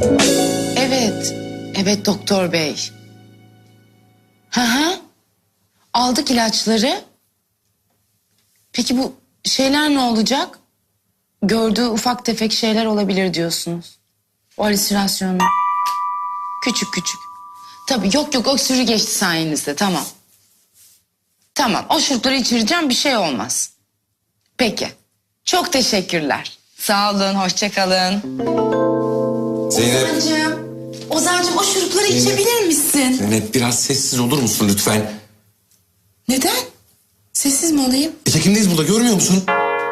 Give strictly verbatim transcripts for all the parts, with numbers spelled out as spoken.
Evet, evet doktor bey. Hı hı. Aldık ilaçları. Peki bu şeyler ne olacak? Gördüğü ufak tefek şeyler olabilir diyorsunuz. O halüsinasyonu. Küçük küçük. Tabii yok yok öksürüğü geçti sayenizde, tamam. Tamam, o şurupları içireceğim, bir şey olmaz. Peki, çok teşekkürler. Sağ olun, hoşça kalın. Zeynep. Ozancığım, Ozancığım o şurupları Zeynep. içebilir misin? Zeynep biraz sessiz olur musun lütfen? Neden? Sessiz mi olayım? E, çekimdeyiz burada, görmüyor musun?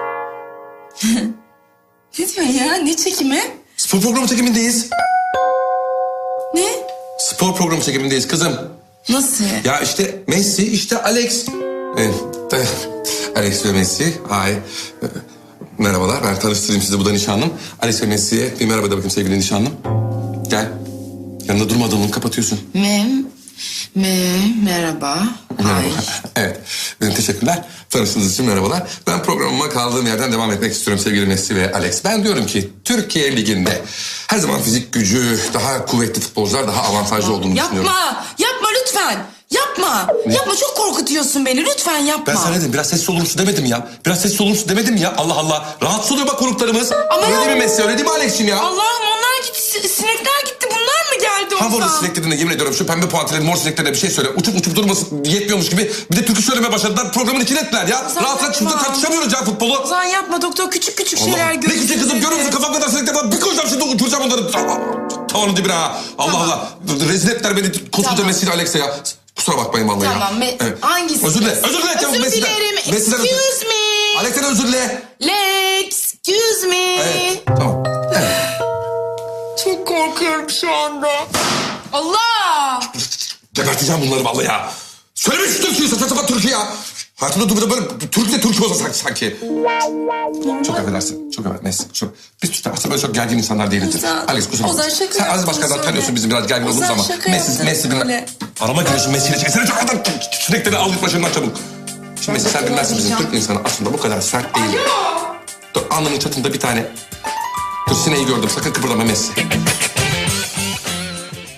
Ne diyorsun ya? Ne çekimi? Spor programı çekimindeyiz. Ne? Spor programı çekimindeyiz kızım. Nasıl? Ya işte Messi, işte Alex. Evet, de- Alex ve Messi. Hay. Ee, Merhabalar, ben tanıştırayım sizi, bu da nişanlım. Alex ve Messi'ye bir merhaba de bakayım sevgili nişanlım. Gel. Yanında durma adamını, kapatıyorsun. Mem, me, merhaba. Merhaba. Ay. Evet, benim teşekkürler. Tanıştığınız için merhabalar. Ben programıma kaldığım yerden devam etmek istiyorum sevgili Messi ve Alex. Ben diyorum ki Türkiye Ligi'nde her zaman fizik gücü, daha kuvvetli futbolcular daha avantajlı olduğunu düşünüyorum. Yapma, yapma lütfen. Yapma, yapma çok korkutuyorsun beni. Lütfen yapma. Ben sana dedim, biraz sessiz olur musun demedim ya. Biraz sessiz olur musun demedim ya. Allah Allah. Rahatsız oluyor bak konuklarımız. Ama öyle ya- değil mi Messi, öyle değil mi Alex'ciğim ya? Allah'ım onlar gitti, si- sinekler gitti. Bunlar mı geldi Ha bu arada Ozan? sineklerine yemin ediyorum şu pembe puantilerin mor sineklerine bir şey söyle. Uçup uçup durmasın yetmiyormuş gibi. Bir de türkü söylemeye başladılar. Programın içine ettiler ya. Ozan, Rahat rahat şurada yapma. tartışamıyoruz ya futbolu. Ozan yapma doktor. Küçük küçük Allah. şeyler Ne görüyorsun. küçük kızım, görüyor musun? Kafam kadar sinekler var. Bir koyacağım şimdi, uçuracağım onları. Tavanın dibine ha. Allah Tamam. Allah. Rezil ettiler beni koskoca Tamam. Messi ile Alex'e ya. Kusura bakmayın vallahi ya. Tamam. Me- Evet. Hangisi? Özür dile. Özür dile. çabuk Özür Messi'den. dilerim. Messi'den özür- Excuse me. Alex'ten özür dile. Excuse me. Evet. Tamam. Evet. Çok korkuyorum şu anda. Allah! Geberteceğim bunları vallahi ya. Söyleme şu Türkiye'yi, saçma sapan Türkiye ya. Hayatımda durmadan böyle Türk'le Türk olsa sanki. sanki. Çok affedersin. Çok affedersin. Neyse. Çok, biz işte aslında böyle çok gergin insanlar değiliz. Ozan, Alex kusura bakma. Ozan şaka Sen Aziz yaptın, Başkan'dan söyle. tanıyorsun bizim biraz gergin olduğumuz Ozan ama. şaka Messi, yaptın, Messi bilmem. söyle. Arama giriyorsun Messi'yle. Çekilsene çok adam. Sinekleri al git başından çabuk. Şimdi Messi sen bilmezsin bizim Türk insanı aslında bu kadar sert değil. Alo! Dur alnının çatında bir tane. Dur sineği gördüm, sakın kıpırdama Messi.